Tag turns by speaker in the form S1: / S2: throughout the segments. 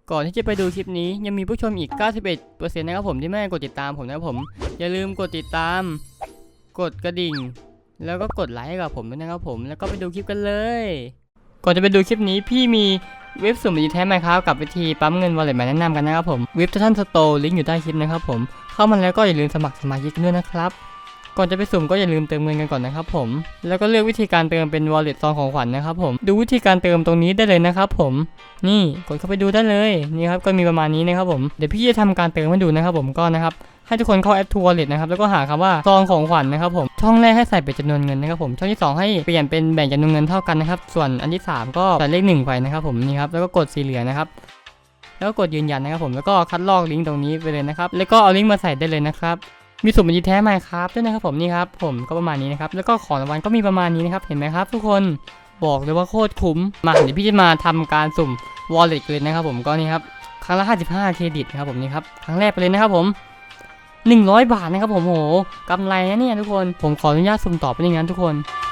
S1: ก่อนที่จะไปดูคลิปนี้ยังมีผู้ชมอีก 91% นะครับผมที่ไม่ได้กดติดตามผมนะครับผมอย่าลืมกดติดตามกดกระดิ่งแล้วก็กดไลค์ให้กับผมด้วยนะครับผมแล้วก็ไปดูคลิปกันเลยก่อนจะไปดูคลิปนี้พี่มีเว็บสุ่มดีแท้ไหมครับกับวิธีปั๊มเงิน Wallet มาแนะนำกันนะครับผมเว็บทันสโตร์ลิงก์อยู่ใต้คลิปนะครับผมเข้ามาแล้วก็อย่าลืมสมัครสมาชิกด้วยนะครับก่อนจะไปสุ่มก็อย่าลืมเติมเงินกันก่อนนะครับผมแล้วก็เลือกวิธีการเติมเป็น Wallet ซองของขวัญนะครับผมดูวิธีการเติมตรงนี้ได้เลยนะครับผมนี่กดเข้าไปดูได้เลยนี่ครับก็มีประมาณนี้นะครับผมเดี๋ยวพี่จะทำการเติมให้ดูนะครับผมก็นะครับให้ทุกคนเข้าแอป True Wallet นะครับแล้วก็หาคำว่าซองของขวัญนะครับผมช่องแรกให้ใส่เป็นจำนวนเงินนะครับผมช่องที่2ให้เปลี่ยนเป็นแบ่งจำนวนเงินเท่ากันนะครับส่วนอันที่3ก็ใส่เลข1ไปนะครับผมนี่ครับแล้วก็กดสีเหลืองนะครับแล้วก็กดยืนยันนะครับผมแล้วก็คัดลอกลิงก์ตรงนี้ไปเลยนะครับแล้วก็เอาลิงก์มาใส่ได้เลยนะครับมีสุ่มบัญชีแท้ไหมครับด้วยนะครับผมนี่ครับผมก็ประมาณนี้นะครับแล้วก็ของรางวัลก็มีประมาณนี้นะครับเห็นไหมครับทุกคนบอกเลยว่าโคตรคุ้มมาเดี๋ยวพี่จะมาทำการสุ่ม Wallet เลยนะครับผมก็นี่ครับครั้งละ55เครดิตนะครับผมนี่ครับครั้งแรกไปเลยนะครับผม100 บาทนะครับผมโหกำไรนะเนี่ยทุกคนผมขออนุญาตสุ่มต่อไปอย่างนั้นทุกคน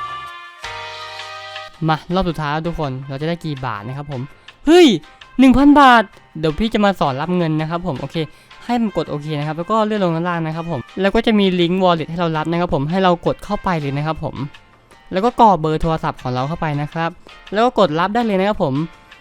S1: มารอบสุดท้ายทุกคนเราจะได้กี่บาทนะครับผมเฮ้ย 1,000 บาทเดี๋ยวพี่จะมาสอนรับเงินนะครับผมโอเคให้มันกดโอเคนะครับแล้วก็เลื่อนลงด้านล่างนะครับผมแล้วก็จะมีลิงก์ Wallet ให้เรารับนะครับผมให้เรากดเข้าไปเลยนะครับผมแล้วก็กรอกเบอร์โทรศัพท์ของเราเข้าไปนะครับแล้วก็กดรับได้เลยนะครับผม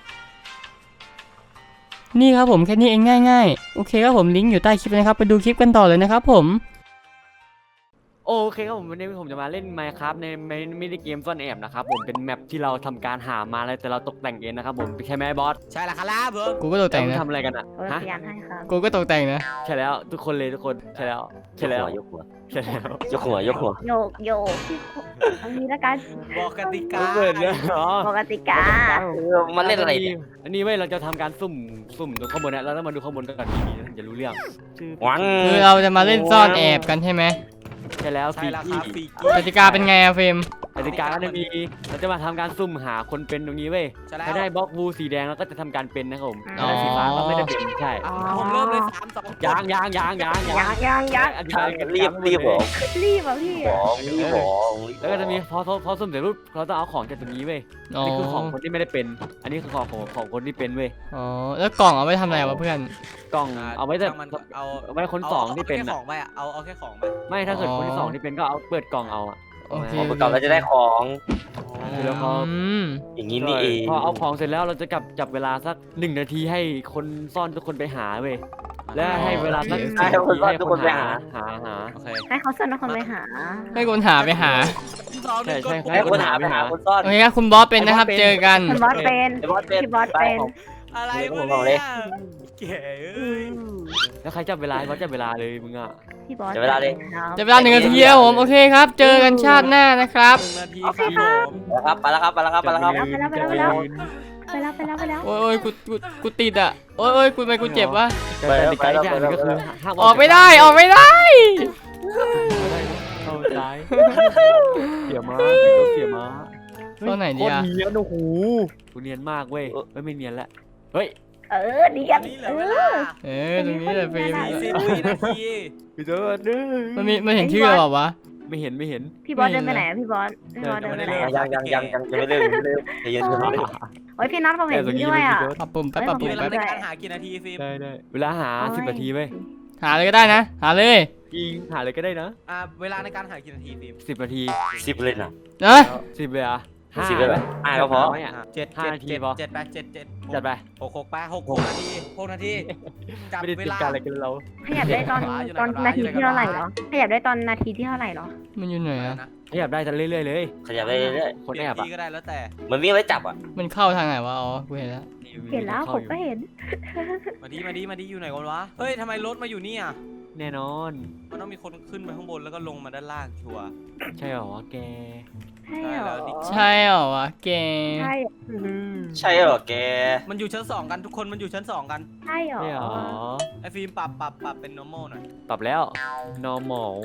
S1: นี่ครับผมแค่นี้เองง่ายๆโอเคครับผมลิงก์อยู่ใต้คลิปนะครับไปดูคลิปกันต่อเลยนะครับผม
S2: โอเคครับผมวันนี้ผมจะมาเล่น Minecraft ในมินิเกมซ่อนแอบนะครับผมเป็นแมปที่เราทำการหามาแล้วแต่เราตกแต่งเองนะครับผมใช่ไหมบอส
S3: ใช่แล้วครับผม
S1: กูก็ตกแต่งนะ
S2: ทำอะไรกันอ่ะฮะ
S4: พยานให้ครับ
S1: กูก็ตกแต่งนะ
S2: ใช่แล้วทุกคนเลยทุกคนใช่แล้วใช่แล้ว
S5: ยกหัว
S2: ใช่แล้ว
S5: ยกหัวยกหัว
S4: โยกโยกเอางี้ละกัน
S3: บอกกติกา
S2: เปิดเลยเหรอ
S4: ปกติกา
S5: มันเล่นอะไรเนี่ย
S2: อันนี้เว้ยเราจะทำการสุ่มตรงข้างบนนะเราต้องมาดูข้างบนกันดีๆนะถึงจะรู้เรื่อง
S5: หวัง
S1: คือเราจะมาเล่นซ่อนแอบกันใช่ไหม
S2: ใช่แล้ว
S3: ใช่แล้วครับฟี
S1: กติกาเป็นไงอะเฟรม
S2: กติกาก็จะมีเราจะมาทำการสุ่มหาคนเป็นตรงนี้เว้ย
S3: ใช่แล้ว
S2: ถ้าได้บล็อกวูสีแดงเราก็จะทำการเป็นนะครับผมถ้าได้สีฟ้าก็ไม่ได้เป็นใช่
S3: ผมเริ่มเลย3 2
S2: ยาง
S4: ยัง
S2: อธิบายกัน
S5: รีบบอก
S4: รีบอ่ะพี่
S5: บอกรีบบอก
S2: แล้วก็จะมีพอสุ่มเสร็จปุ๊บเราต้องเอาของจากตรงนี้เว้ย
S1: อ๋อ
S2: นี่คือของคนที่ไม่ได้เป็น อันนี้คือของคนที่เป็นเว้ย
S1: อ๋อแล้วกล่องเอาไว้ทำอะไรวะเพื่อน
S2: กล่องเอาไว้แต่
S3: มันเอา
S2: เอาไว้คนสองที่เป็น
S3: แค่
S2: อะ
S3: ของไปอ่ะเอาแค่ของไป
S2: ไม่ถ้าเกิดคนที่สองที่เป็นก็เอาเปิดกล่องเอาอะ
S1: โอเค
S5: ประกอบเราจะได้ของ
S2: แล้วพอ
S5: อย่างนี้นี่เอง
S2: พอเอาของเสร็จแล้วเราจะจับเวลาสัก1 นาทีให้คนซ่อนทุกคนไปหาเว้ยและให้เวลาสัก10 นาทีให้คนหา
S3: โอเค
S4: ให้เขาส่งคนไปหา
S1: ให้คนหาไปหา
S2: ใช่ใช่
S5: ให้คนหาไปหาคนซ่อน
S1: โอเคครับคุณบอสเป็นนะครับเจอกัน
S4: คุณบอสเป็น
S5: ไอ้บอสเป็น
S4: พี่บอสเป็น
S3: อะไร
S5: ผม
S3: วะ
S5: บอกเลย
S3: เนี่ยเก๋เอ้ย
S2: แล้วใครจับเวลาเขาจับเวลาเลยมึงอ่ะ
S4: พี่บอส
S1: จะเวลา1 นาทีแล้วผมโอเคครับ เจอกันชาติหน้านะครับ
S3: 1 นาทีครับผม
S5: ครับไปแล้วครับไปแล้วครับไปแล้วครับ
S4: ไปแล้ว
S1: โอ้ยกูติดอ่ะโอ้ยกูไปกูเจ็บวะ
S2: แต่กติกาอีกอย่างหนึงก็คือห้าม
S1: ออกไม่ได้ออกไม่ได้
S2: เข้าใจเสียม้าเสียม้า
S1: ตอนไหนดี
S2: โคตร
S1: อะ
S2: เนียนโอ้โหกูเนียนมากเว้ยไม่เนียนละเฮ้ย
S4: ดีกัน
S3: นี่เหลือเวลา
S1: ตรงนี้แหละเฟรม
S3: 40 นาที
S2: พี่เจ้าเด้อ
S1: มันเห็นชื่อเราเปล่าวะ
S2: ไม่เห็น
S4: พี่บอสเดินไปไหนพี่บอสเดินไปไหน
S5: ยังไม่เลิกใจเย็น
S4: โอ้ยพี่นัทผมเห็นพี่ด้วยอ่ะ
S1: ปรับปุ่มแป๊บปรับปุ่ม
S3: เวลา
S1: แป๊บ
S3: ในการหากี่นาทีฟิล์ม
S2: ได้เวลาหา10 นาทีเว้ย
S1: หาเลยก็ได้นะหาเลย
S2: ยิงหาเลยก็ได้นะ
S3: เวลาในการหากี่นาทีฟิล์ม
S2: 10 นาที
S5: 10เลยนะ
S1: นะ
S2: 10เลยอ่ะ
S5: 10เลยไหมก็พอ
S2: ไม่อ่ะ
S3: 7
S2: 5 นาทีพอ
S3: 7 8 7 7
S2: จัดไป
S3: 6 ไป6 นาที6 นาทีจับ
S2: ไม่ได้
S3: เว
S2: ติด
S3: ลา
S2: การอะไรกันเรา
S4: ขยับได้ตอนนาทีที่เท่าไหร่เหรอขยับได้ตอนนาทีที่เท่าไหร่เหรอ
S1: มันอยู่ไหนอะ
S2: ขยับได้จะเรื่อยๆเลย
S5: ขยับไปเรื่อย
S2: คนแอบ
S3: ที
S2: อ่ะ
S3: ก็ได้แล้วแต่
S5: ๆมันวิ่งไว้จับอ่ะ
S1: มันเข้าทางไหนวะอ๋อกูเห็นแล้ว
S4: เห็นแล้วผมก็เห็น
S3: มาดีอยู่ไหนกันวะเฮ้ยทำไมรถมาอยู่นี่อ่ะ
S2: แน่นอน
S3: มันต้องมีคนขึ้นไปข้างบนแล้วก็ลงมาด้านล่างชัวร์
S2: ใช่หรอแก
S4: ใช่เหรอ
S1: ใช่เหรอวะแก
S4: ใช่
S5: ใช่เหรอแก
S3: มันอยู่ชั้น 2 กันทุกคนมันอยู่ชั้น 2 กัน
S4: ใช่เหรอ
S2: ใช่หรอ
S3: ไอ้ฟิล์มปรับเป็น normal หน่อย
S2: ตอบแล้ว normal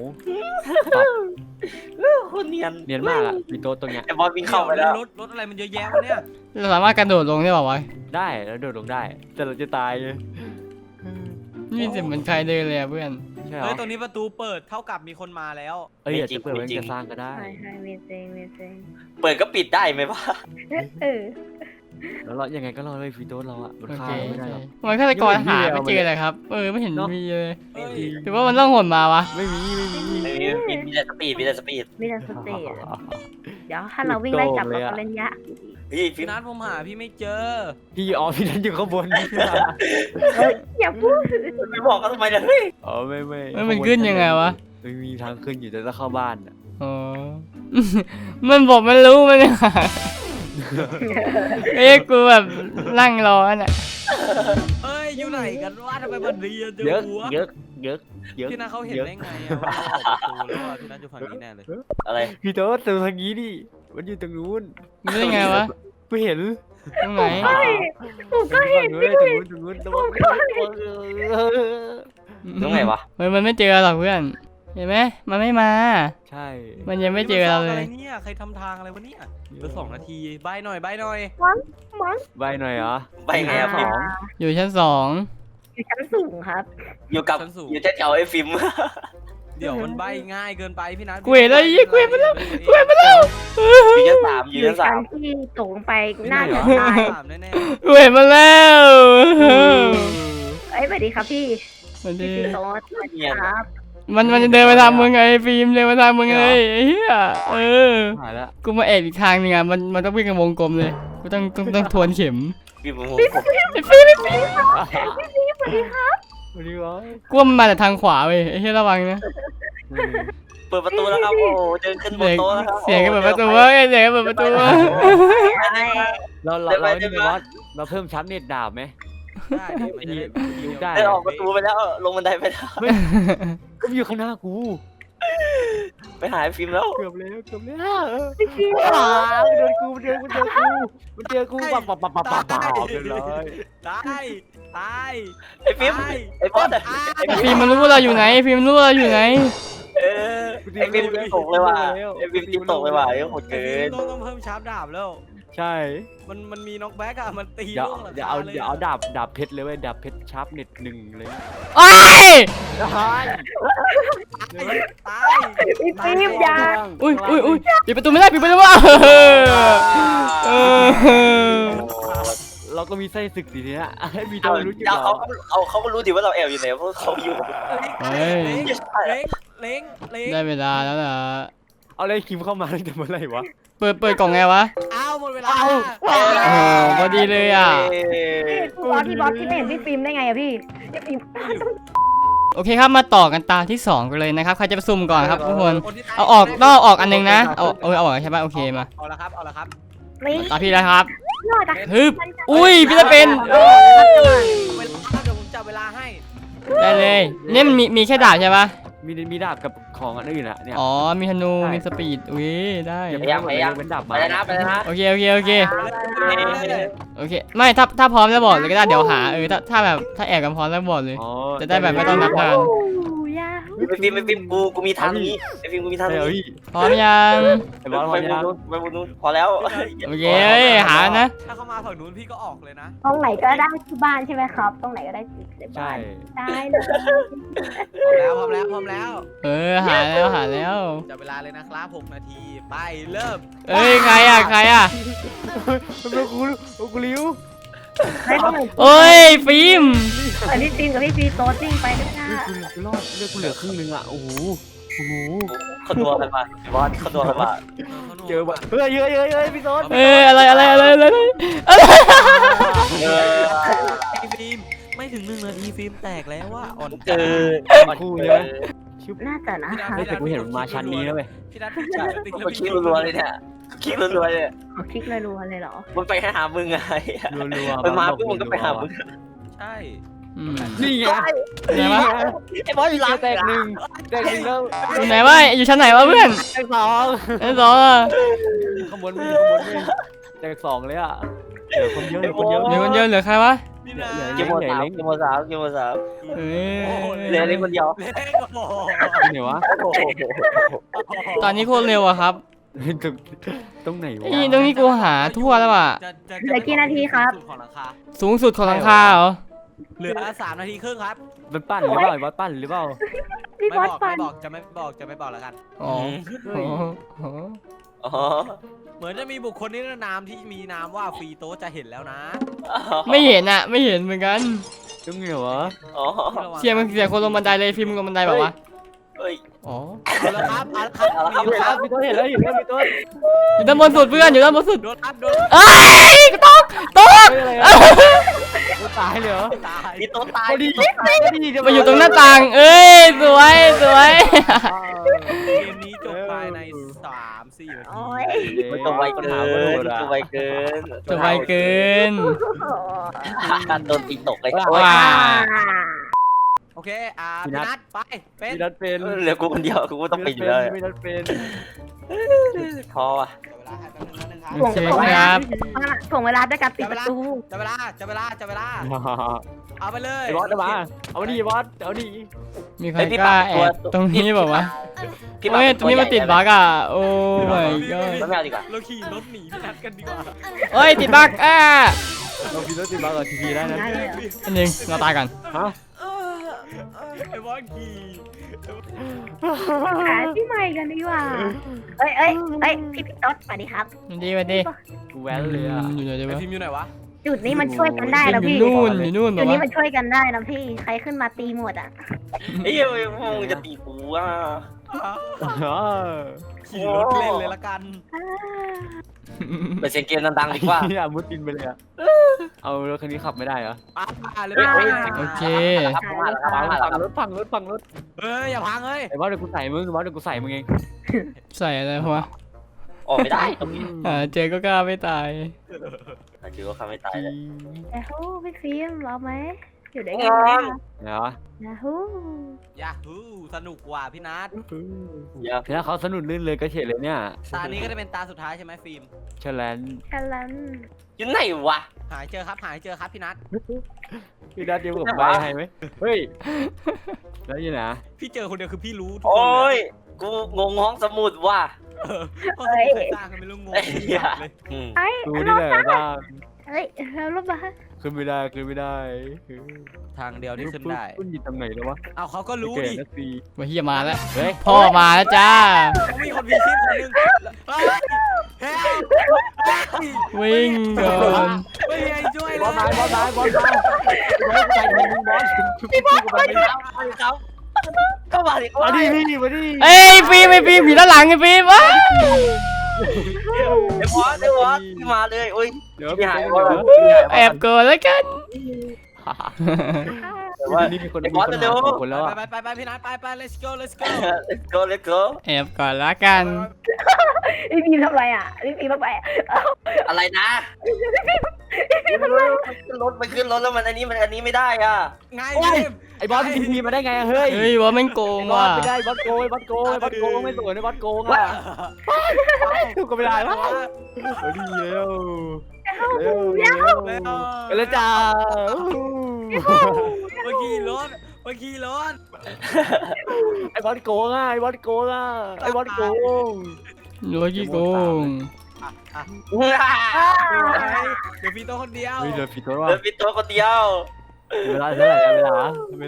S5: คนเนียน
S2: เนียนมากอ่ะมีโต๊ะตรงเนี้ย
S5: ไอ้บอสวิ่งเข้าไปแล้ว
S3: รถอะไรมันเยอะแยะวะเนี่ย
S1: เราสามารถกระโดดลงได้เปล่าวะ
S2: ได้แล้วโดดลงได้แต่เราจะตายเลย
S1: นี่เสียงเหมือนใครเดินเลยอะเพื่อน
S2: ใช่หรอ
S3: เฮ้ยตรงนี้ประตูเปิดเท่ากับมีคนมาแล้ว
S2: เอ้ยอยากจะเปิดไว้จะสร้างก็ได้
S4: ใช่มีเซง
S5: เปิดก็ปิดได้ไหมวะ
S4: เออ
S2: แล้วเรายังไงก็รอดเลยฟีโต้เราอะมัน
S1: โอ
S2: ฆ่า
S1: เค
S2: เราไม่ได้หรอก
S1: ทำไมฆาตกรหาไม่เจอเลยครับไม่เห็นมีเลยหรือว่ามันต้องหนมาวะ
S2: ไม่มี
S5: มีแต่สปีดมีแต่สปีด
S4: มีแต่สเตจเดี๋ยวถ้าเราวิ่งไล่จับเราก็เล่นยาก
S5: เฮ้ยฟิ
S3: พี่
S5: ล์ม
S3: นัทผมหาพี่ไม่เจอ
S2: พี่นั่นอยู่ข้างบน
S4: อย่าพูด
S5: ไม่บอกเขาทำไมเนี่ยเฮ้ย
S2: อ๋อไม่
S1: มันขึ้นยังไงวะ
S2: ไม่มีทางขึ้นอยู่แต่ต้องเข้าบ้านอะ
S1: อ๋อ มันบอกมันรู้มันเนี่ยกูแบบนั่งรอน่ะ
S3: เอ้ยอยู่ไหนกันวะทำไมมันเรียนเจอ
S2: เยอะ
S3: หัว
S2: เยอะเยอะเยอะ
S3: พี่นัทเขาเห็นได้ไงอะว่าเราออกประตูแล้วว่าพี่นัทอยู่ฝั่งนี้แน่เลย
S5: อะไร
S2: พี่โต๊ดดูทางนี้ดิมันอยู่ตรงนู้น
S1: มันได้ไงวะ
S2: ไม่เห็น
S1: ตรงไหน
S4: ผมก็เห็น
S2: ตรงนู้นตรงนู้น
S5: ตรงไหนวะ
S1: มันไม่เจอหรอกเพื่อน เห็นไหมมันไม่มา
S2: ใช่
S1: มันยังไม่เจอเราเลย
S3: นี่มันซ่อนอะไรเนี่ยใครทำทางอะไรวะเนี่ยเหลือ2 นาทีใบหน่อย
S4: มั้ง
S2: ใบหน่อยเหรอ
S5: ไปไงอะฟิล์ม
S1: อยู่ชั้น2
S4: อยู่ชั้นสูงครับ
S5: อยู่กับอยู่แถวๆไอ้ฟิล์ม
S3: เดี๋ยวมันใบง่ายเกินไปพี่นัท
S1: กูเห็นแล้วกูเห็นมันแล้ว
S5: อยู่ชั้น3อ
S4: อยู่ ยู่
S5: ชั้น
S4: ชั้น
S5: 3
S4: ที่ตกลงไปน่าจะตาย
S3: ถามแน่
S1: กูเห็นมันแล้ว
S4: เอ้ยสวัสดีครับพี่
S1: มัน
S4: พี่
S1: ดี
S4: ซีโต๊ดสวัสดีครับ
S1: มันจะเดินไปทางมึงไงฟิล์มเดินไปทางมึงเลยไอ้เหี้ย
S2: หายแล้ว
S1: กูมาแอบอีกทางนึงอ่ะมันต้องวิ่งกันวงกลมเลยกูต้องทวนเข็ม
S5: ฟิล์ม
S1: ไอ้ฟิล์ม
S2: สวัสดีครับ
S1: กูว่ามันมาจากทางขวาเว้ยไอ้เหี้ยระวังนะ
S5: เปิดประตูแล้วครับโอ้เดินขึ้นบนโต๊ะแล้วครับ
S1: เสียงกันเปิดประตูเว้ยเสียงกันเปิดประตูเว้ย
S2: เราเพิ่มชั้นเน็ตดาบไหม
S3: ๆได้ดิมันจะได้
S2: ได้
S5: เดินออกประตูไปแล้วลงบันไดไปแล้ว
S2: ก็อยู่ข้างหน้ากู
S5: ไปหาไอ้ฟิล์มแล้ว
S2: เกือบแล้วมันเดินกูปับเรียบร้อย
S3: ตายตาย
S5: ไอ้ฟิล์มไอ้บอสอะ
S1: ไอ้ฟิล์มมันรู้ว่าเราอยู่ไหนไอ้ฟิล์มมันรู้ว่าเราอยู่ไหน
S5: เออไอ้ฟิล์มตกเลยว่ะไอ้ฟิล์มจิ้มตกเลยว่ะไอ้โหดเกิน
S3: ต้องเพิ่มชาร์ปดาบแล้ว
S2: ใช่
S3: มันมีน็อกแบ็กอะมันตี
S2: อย่า
S3: ล่วงหลัง
S2: อย่า
S3: ค
S2: เอา
S3: ลย
S2: อย่าเอาดาบเพชรเลยเว้ยดาบเพชรชาร์ปเน็ต1เลย
S1: โอ้ย
S3: ตาย
S4: พี่ฟิล์มยา
S1: อุ้ยปิดประตูไม่ได้ปิดประตูไม่ได้เออ
S2: เราก็มีไส้ศึกสิเนี้ยมี
S5: เอา
S2: ตัวรู้อยู่
S5: เขาก็รู้ดิว่าเราแอบอยู่ไหนเพราะเขาอยู่
S1: เฮ้ย
S3: เล้ง
S1: ได้เวลาแล้วล่ะ
S2: เอาเลยคิมเข้ามาตั้งแต่เมื่อไหร่วะ
S1: เปิดกล่องไงวะ
S3: อ้าวหมดเวลา
S1: โอ้โหพอดีเลยอ่ะ
S4: พี่บอสที่ไม่เห็นพี่ฟิล์มได้ไงอะพี่ฟิล์ม
S1: โอเคครับมาต่อกันตาที่2กันเลยนะครับใครจะไปซุ่มก่อนครับทุกคนเอาออกต้องเอาออกอันนึงนะเอาออกใช่ป่ะโอเคมา
S3: เอาละครับ
S4: นี่
S1: ตาพี่แล้วครับ
S4: รอดอะ
S1: ฮึบอุ้ยพี่จะเป็น
S3: เวลาเดี๋ยวผมจับเวลาให้
S1: ได้เลยเนี่ยมันมีแค่ดาบใช่ป่ะ
S2: มีดาบกับของอันอื่นอะเนี่ย
S1: อ๋อมีธนูมีสปีดอุ้ยได้
S2: เป็นดาบ
S5: ไป
S2: มา
S5: แล้วนะไปแล้วนะ
S1: โอเคไม่ถ้าพร้อมแล้วบอกเลยก็ได้เดี๋ยวหาถ้าแบบถ้าแอบกันพร้อมแล้วบอกเลย
S2: อ๋อ
S1: จะได้แบบไม่ต้องนับนาน
S4: ยา
S5: ไอ้ฟิล์มกูมีทางนี้ไอ้ฟิล์มกูมีทาง
S2: เฮ้
S5: นี้
S2: ย
S1: พร้อมยัง
S2: ไอ้บอส
S5: ไป
S2: พอ
S5: บ
S2: ยัง
S5: นนู้นพอแล้ว
S1: โอเคหานะ
S3: ถ้าเข้ามาฝั่งนู้นพี่ก็ออกเลยนะ
S4: ตรงไหนก็ได้ที่บ้านใช่ไหมครับ ตรงไหนก็ได้ที่
S2: ใช่
S4: บ้านได้เลย
S3: พร้อมแล้ว
S1: หาแล้ว
S3: จับเวลาเลยนะครับ6 นาทีไปเริ่ม
S1: ใครอ่ะ
S2: เป็นกูริ้ว
S4: ไม่ต้อง
S1: โอ้ยฟิล์ม
S4: พี่ฟิล์มกับพี่ฟีโต๊ดวิ่งไปด้วยนะ
S2: กูรอดเลือดกูเหลือครึ่งนึงอ่ะโอ้โห
S5: เขาตัวกันมาบอสเขาตัวกันมา
S2: เจอแบบเฮ้ยพี่โต๊ด
S1: อะไร
S5: เออ
S3: ฟิล์มไม่ถึง1 นาทีฟิล์มแตกแล้วว่าอ่อน
S5: เกิน
S2: คู่ใช่ไหม
S4: น่าจะนะ
S2: เฮ้ยแต่กูเห็นมันมาชั้นนี้แล้วเว้ย
S3: พี่นัทพี่จับติ๊ก
S5: เขาคิดรัวๆเลยเนี่ยคิดรัวๆเลย
S4: ขอคลิกรัวๆเลยเหรอ
S5: มันไปหามึงไง
S2: รัวๆ
S5: มันมาปุ๊บมันก็ไปหามึง
S3: ใช่
S2: นี่ไง
S1: ไหนวะ
S5: ไอ้บอสอยู่หลัง
S2: แตกหนึ่งแล้ว
S1: ไหนวะอยู่ชั้นไหนวะเพื่อน
S2: แตกสอง
S1: ชั้น2อ่ะ
S2: ข้างบนมีแตก2เลยอ่ะเหลือคนเยอะ
S1: เหลือคนเดียวเหลือใครวะ
S3: นี่นะ
S5: เกมโมสามเกมโมสามเกมโมสาม
S1: เฮ้ย
S5: เหลือเล่นคนเดียว
S3: เล็กโอ้โห
S2: ไหนวะ
S1: ตอนนี้โคตรเร็วอะครับ
S2: ตรงไหนวะ
S1: ตรงนี้กูหาทั่วแล้วอ่ะ
S4: เหลือกี่นาทีครับ
S3: ของราคา
S1: สูงสุดของหลังคาเหรอ
S3: เหลือ3 นาทีครึ่งครับ
S2: มันปั้นหรือเปล่าบอสปั้นหรือเปล่า
S4: พี่บอสฟัน
S3: จะไม่บอกแล้วกัน
S1: อ๋อ
S5: อ๋อ
S3: เหมือนจะมีบุคคลนิรนามที่มีนามว่าฟรีโต๊ะจะเห็นแล้วนะ
S1: ไม่เห็นอะไม่เห็นเหมือนกัน
S2: จุ้งเหรอวะ
S5: อ๋อ
S1: เสียงมันเสียงคนลงบันไดเลยฟิล์มลงบันไดแบบว่า
S5: เฮ้ย
S1: อ๋อ
S3: เอาละครับเอาละครับ
S5: เอาละครับ
S2: เห็นแล้วพี่ต้นเห็นแล้วพี่ต้น
S1: อยู่ด้านบนสุดเพื่อนอยู่ด้านบนสุด
S3: โดนครับโดน
S1: เอ้ยตก
S2: อะไรอะตายเลยเหรอ
S3: ตาย
S5: พี่โต๊ะตาย
S2: พอดีจะ
S1: มาอยู่ตรงหน้าต่าง เอ้ยสวยสวย
S3: เกมนี้จบภายใน3-4 นาที
S4: โอ้ย
S5: มันจะไวเกินจะไวเกิน
S1: จะไวเกิน
S5: โดนตีตกเลย
S1: ว้า
S3: โอเคพี่นัทไปเป็น
S2: พี่นัทเป็น
S5: เหลือกูคนเดียวกูก็ต้องเป็นอยู่แล้ว
S2: พี่นัทเป็น
S5: ท้อว่ะ
S3: เวลาให้แป๊บนึงนะครับ
S1: โอเคครับ
S4: ถ่วงเวลาด้วยการปิดประตู
S3: จะเวลาเอาไปเลย
S2: ไอ้บอสมาเอาดิบอสเอาดิ
S1: มีใครกล้าแอบตรงนี้บอกว่าวะ
S5: พี่
S1: เฮ้ยตรงนี้มันติดบั๊กอ่ะโอ้ my
S5: ก็
S1: god
S5: ไม่เอาดีกว่า
S3: เราขี่รถหนีพี่นัทกันดีกว่า
S1: เฮ้ยติดบั๊ก
S2: เราพี่นัทติดมากับทีวีได้นะ
S4: ได้เลยเหรอ
S1: อันหนึงเราตายกัน
S2: ฮะ
S3: ไอ้บอสขี่
S4: หาที่ใหม่กันดีกว่าเอ้ยพี่ต๊อดสวัสดีครับ
S1: สวัสดีสวัสดี
S2: กูแว้นเลยอ่ะ
S1: อยู่ไหนดี
S3: ไอ้
S1: วะ
S3: พิมพ์อยู่ไหนวะ
S4: จุดนี้มันช่วยกันได้นะ
S1: อยู่
S4: พี่
S1: นู่นอยู่นู่นบ
S4: จุ
S1: อ
S4: ด
S1: ก
S4: นี้
S1: ว่า
S4: มันช่วยกันได้นะพี่ใครขึ้นมาตีหมดอ่ะ
S5: เฮ้ยมึงจะตีกูอ่ะ
S3: ขี่รถเล่นเลยละกัน
S5: ไปเสียงเกมดังๆดีกว่า
S2: นี่มุดดินไปเลยอ่ะเอารถคันนี้ขับไม่ได้เหรอ
S3: เลย
S1: โอเค
S5: ครับมาแล้วครับมาแล้วครับ
S2: พังรถ
S3: เฮ้ยอย่าพังเฮ้ย
S2: ไอ้บอสเดี๋ยวกูใส่มึงบอสเดี๋ยวกูใส่มึงเอง
S1: ใส่อะไรวะ
S5: ออกไม่ได้ตรงนี้
S1: เจอก็กล้าไม่ตาย
S5: ถือว่าเขาไม่ตายเลย
S4: ยาฮูพี่ฟิล์มรอไหมอยู่ได้ไง
S2: เนาะ
S4: ยาฮู
S3: ยาฮูสนุกกว่าพี่นัท
S5: อย่า
S2: ถ้าเขาสนุนลื่นเลยก็เฉดเลยเนี่ย
S3: ตานี้ก็จะเป็นตาสุดท้ายใช่ไหมฟิล์ม
S2: เชลแลน
S4: แค่นั้น
S5: อยู่ไหนวะ
S3: หายเจอครับพี่นัท
S2: พี่นัทเดียวกับใบให้ไหมเฮ้ยแล้วยังไง
S3: พี่เจอคนเดียวคือพี่รู้ทุกคน
S5: โอ้
S3: เลย
S5: กูงงห้องสมุดว่ะ
S3: เพราะเขาเคยสร้างกันไม่รู้งงเลย
S4: เอ้ย
S2: ดูนี่แหละบ้าง
S4: เฮ้ยแล้วรถมา
S2: ขึ้นไม่ได้ขึ้นไม่ได้
S3: ทางเดียวที่ขึ้นได้
S2: ขึ้นอยู่ตรงไหนแล้ววะ
S3: เอาเขาก็รู้ดิ
S2: นักตี
S1: มาเฮียมาแล้ว
S2: เฮ้ย
S1: พ่อมาแล้วจ้า
S3: เขามีคนมีชีพคนหนึงเฮ้ยเฮ้ย
S1: วิ่งก่อน
S3: ไม่มีใครช่วย
S2: บ
S3: เล
S2: อล
S3: ย
S2: มาบอลมาบอลมาใส่ทีมบอลพี่บอลมาดิ
S5: ครับก็มาดิ
S2: มาดิพี่มาดิ
S1: เอ้ยฟิล์มไอ้ฟิล์มอยู่ด้านหลังไอ้ฟิล์มวะ
S5: ไอ้บอสมาเลยโอ้ย
S2: เดี๋ยว
S5: พี่
S2: พี่
S5: หา
S2: หาย ย
S5: บอส
S1: แอบก่อนแล้วกัน
S5: แต่ว่า
S2: นี่มีคน
S5: ไอ้บอสเร็ว
S2: คนแล้ว
S3: ไปพี่นัทไป let's go
S5: let's go
S1: แอบก่อนแล้วกัน
S4: พี่ฟิล์มทำไรอ่ะพี่ฟิล์มทำไร
S5: อะไรนะรถมันขึ้นรถแล้วมันอันนี้ไม่ได้อ่ะ
S3: ไงฟิล์ม
S2: ไอ้บอลทีมาได้ไงเฮ้ย
S1: เฮ้ยว่าแม่งโกง
S2: บอ
S1: ว่ะ
S2: ลไม่ได้บอลโกงบอลโกงบอลโกงไม่สวยนะบอลโกงอ่ะก็ไม่ได้วะดีเร็วเร็วเร็วแล้วจ้า
S3: เมื่อกี้รถ
S2: ไอ้บอลโกงอ่ะไอ้บอลโกงอ่ะไอ้บอลโกง
S1: รู้ว่าขี้โกง
S3: เดี๋ยวพี่โตคนเดียว
S2: เฮ้ยเดินผิดตัวว่ะ
S5: เดินปิดตัวคนเดียว
S2: เวลาเท่าไหร่เวลา
S3: เว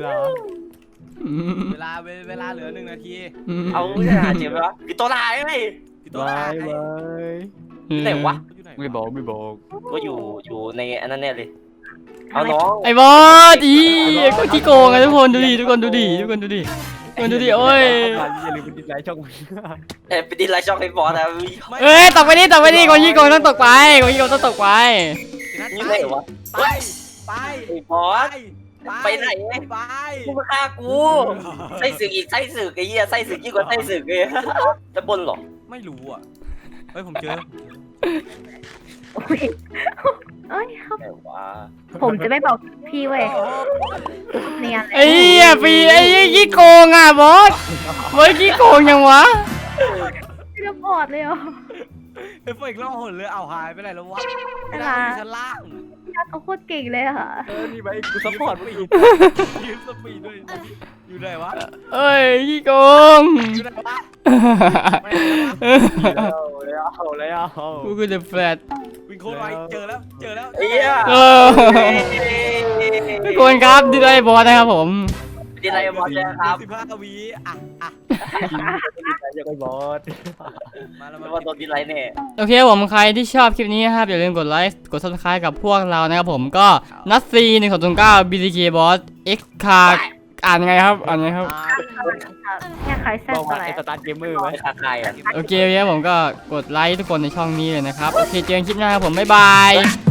S3: ลาเหลือ1 นาที
S5: เอาจะหาเจ็บไหมวะปิดตัวลายไหม
S3: พี่โต
S2: บาย
S3: หาย
S2: บาย
S5: ไหนวะ
S3: อยู่ไหน
S2: ไม่บอกไม่บอก
S5: ก็อยู่ในอันนั้นแน่เลยเอาน้อง
S1: ไอ้บอสอีก็ขี้โกงอะทุกคนดูดิทุกคนดูดิโอ้ย
S2: อย่าลืมไปติดไลค์ช่อง
S5: ไปดินไลช่องให้บอสนะ
S1: เอ้ยตกไปดิคนขี้โกงต้องตกไปคนขี้โกงต้องตกไป
S5: นี่ไหนวะ
S3: ไป
S5: ไอ้บอส ไปไหน
S3: ไป
S5: กูมาฆ่ากูไส้สึกอีกไส้สึกไอ้เหี้ยไส้สึกยิ่งกว่าไส้สึกเลยจะบนหรอ
S3: ไม่รู้อ่ะเฮ้ยผมเจอ
S4: เอ้ยครับ
S5: ไหนวะ
S4: ผมจะไม่บอกพี่เว้ยเนี่ย
S1: ไอ้เหี้ยฟีไอ้ขี้โกงอ่ะบอสขี้โกงยังวะ
S4: ไม่ได้บอดเลยเหรอ
S3: เฮ้ยพวกอีกล่องหนเลยเอาหายไปไหนแล้ววะ
S4: ไม่
S3: ไม่
S4: ได้
S3: ได้อยู่ชั้นล่าง
S4: พี่นัทเขาโคตรเก่งเลยค่ะ
S2: นี่ไปกูซัพพอร์ตมึงอีก
S3: ยืมสปีดด้วยอยู่ไหนวะ
S1: เอ้ยขี้โกง
S3: อยู่ไหนวะไม่
S2: แล้ว
S1: กูคือเดอะแฟลต
S3: วิ่งโคตรไวเจอแล้ว
S5: ไอ้เหี้ย
S1: ทุกคนครับดีด้วยบอสนะครับผม
S5: ดินไลบอสครับ
S3: 15 วิอ่ะ
S2: ยังไงบอส
S3: มาแล้ว
S5: แล้
S3: มาว
S5: ว่าโดนดิสไลค์แน่
S1: โอเคผมใครที่ชอบคลิปนี้นะครับอย่าลืมกดไลค์กด subscribe กับพวกเรานะครับผมก็นัทซี1209 BTK Boss X Card อ่านยังไงครับอ่านยังไงครับ
S4: เนี่ยใครแซ่
S2: บอก
S4: บ
S2: ว่า
S4: อะไร
S2: ไอ้สตาร์ทเกมเมอร์ไหม
S5: คาคายอ่ะ
S1: โอเคครับผมก็กดไลค์ทุกคนในช่องนี้เลยนะครับโอเคเจอกันคลิปหน้าครับผมบ๊ายบาย